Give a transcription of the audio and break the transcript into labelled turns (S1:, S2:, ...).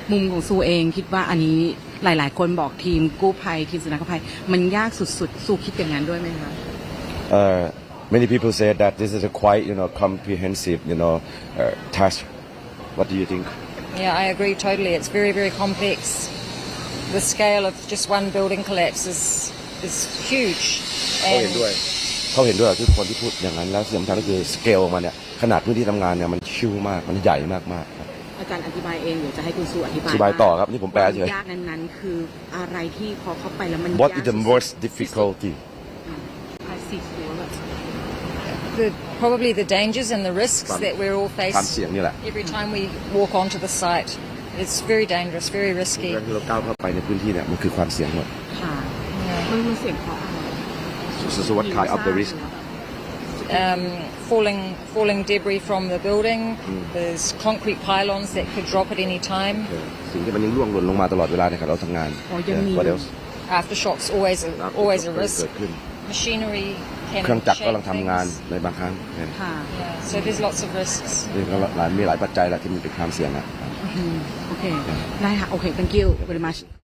S1: มุมของซูเองคิดว่าอันนี้หลายๆคนบอกทีมกู้ภัยทีมสุนัขภัยมันยากสุดๆซูคิดอย่างนั้นด้วยไหมคะ
S2: Many people say that this is a quite comprehensive task. What do you think?
S3: Yeah, I agree totally. It's very, very complex. The scale of just one building collapse is huge.
S2: เขาเห็นด้วยทุกคนที่พูดอย่างนั้นแล้วสิ่งสำคัญก็คือสเกลมันเนี่ยขนาดพื้นที่ทำงานเนี่ยมันชิวมากมันใหญ่มากๆครับ
S1: อาจารย์อธิบายเองเดี๋ยวจะให้คุณซูอธิบาย
S2: ต่อครับนี่ผมแปลเฉย
S1: ยากนั้นคืออะไรที่พอเข้าไปแล้วมัน
S2: What is the most difficulty?
S3: Probably the dangers and the risks that we're all
S2: ความเสี่ยง
S3: faced
S2: นี่แหละ
S3: every time we walk onto the site. It's very dangerous, very risky.
S2: การที่เราก้าวเข้าไปในพื้นที่เนี่ยมันคือความเสี่ยงหมด
S1: ค่ะมันเสี่ยงเพราะอะไร
S2: So what kind of the risk?
S3: Falling debris from the building. There's concrete pylons that could drop at any time.
S2: สิ่งที่มันยังร่วงหล่นลงมาตลอดเวลาในขณะเราทำงาน What else?
S3: Aftershocks always a risk.
S2: เกิดขึ้น
S3: Machinery
S2: เครื่อง
S3: can
S2: จักร
S3: shake
S2: กำลังทำงาน
S3: things.
S2: ในบางครั้ง
S1: ค่ะ
S3: Yeah, so there's lots of risks.
S2: มีหลายปัจจัยแหละที่มันเป็นความเสี่ยงอ่ะ
S1: โอเคได้ค่ะโอเค thank you very much